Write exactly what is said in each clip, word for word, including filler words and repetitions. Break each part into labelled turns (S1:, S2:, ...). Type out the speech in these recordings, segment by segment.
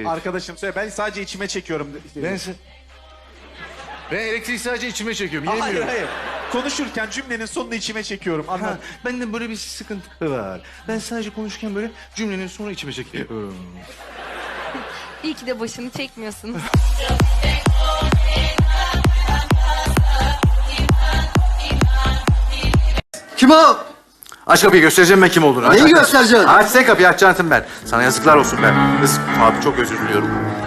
S1: Arkadaşım söyle, ben sadece içime çekiyorum.
S2: Ben, ben elektriği sadece içime çekiyorum.
S1: Hayır
S2: Yemiyorum.
S1: hayır. Konuşurken cümlenin sonunu içime çekiyorum.
S2: Ha,
S1: Anlat.
S2: bende böyle bir sıkıntı var. Ben sadece konuşurken böyle cümlenin sonunu içime çekiyorum.
S3: İyi ki de başını çekmiyorsun.
S4: Kim o?
S2: Aç kapıyı, göstereceğim ben kim olduğunu. Aç,
S4: Neyi
S2: aç, aç.
S4: göstereceksin?
S2: Aç sen kapıyı, açacaksın ben. Sana yazıklar olsun ben. Kız, abi çok özür diliyorum.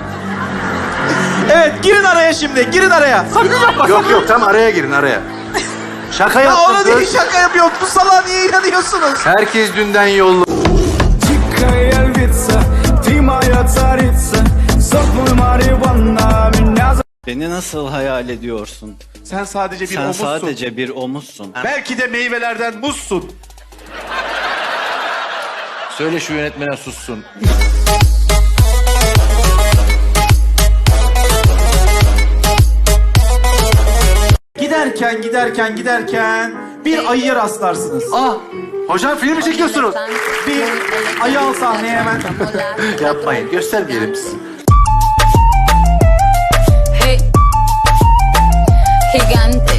S1: Evet, girin araya şimdi. Girin araya. Sakın yapma.
S2: Yok yok, tam araya girin araya. Şaka
S1: Ya
S2: yaptım
S1: ona
S2: kız.
S1: değil, şaka yapıyor. Bu salağa niye inanıyorsunuz?
S2: Herkes dünden yollu.
S5: Дикая львица, ты моя царица, сок мой Мариванна, меня
S6: Beni nasıl hayal ediyorsun?
S1: Sen sadece bir
S6: Sen
S1: omuzsun.
S6: sadece bir omuzsun.
S1: Belki de meyvelerden muzsun.
S2: Söyle şu yönetmene sussun.
S1: Giderken, giderken, giderken bir ayıya rastlarsınız.
S2: Ah! Hocam film mi çekiyorsunuz?
S1: Bir ayı al sahneye hemen.
S2: Yapmayın, göstermeyelim sizi.
S3: Hey. Gigante.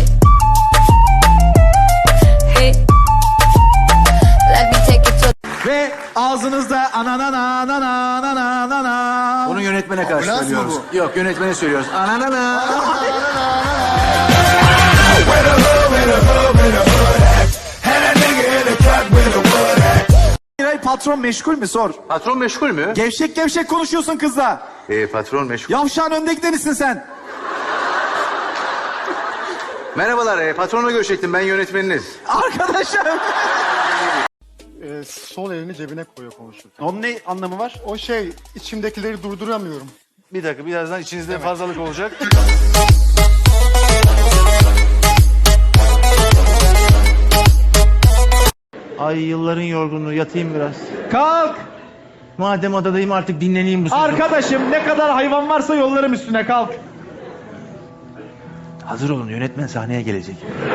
S3: Hey. Let me take it to
S1: Ve ağzınızda ananana ananana ananana.
S2: Bunu yönetmene karşı
S4: Ambulans mı
S2: söylüyoruz. Yok, yönetmene söylüyoruz. Ananana.
S1: Miray, patron meşgul mü sor.
S2: Patron meşgul mü?
S1: Gevşek gevşek konuşuyorsun kızla.
S2: Ee, patron meşgul.
S1: Yavşağın önde gidenisin sen.
S2: Merhabalar, e, patronla görüşecektim. Ben yönetmeniniz.
S1: Arkadaşım.
S7: Ee, sol elini cebine koyuyor konuşurken.
S1: Onun ne anlamı var?
S7: O şey, içimdekileri durduramıyorum.
S2: Bir dakika, birazdan içinizde fazlalık olacak.
S8: Ay yılların yorgunluğu, yatayım biraz.
S1: Kalk.
S8: Madem adadayım artık dinleneyim bu sefer.
S1: Arkadaşım, ne kadar hayvan varsa yollarım üstüne, kalk.
S8: Hazır olun, yönetmen sahneye gelecek.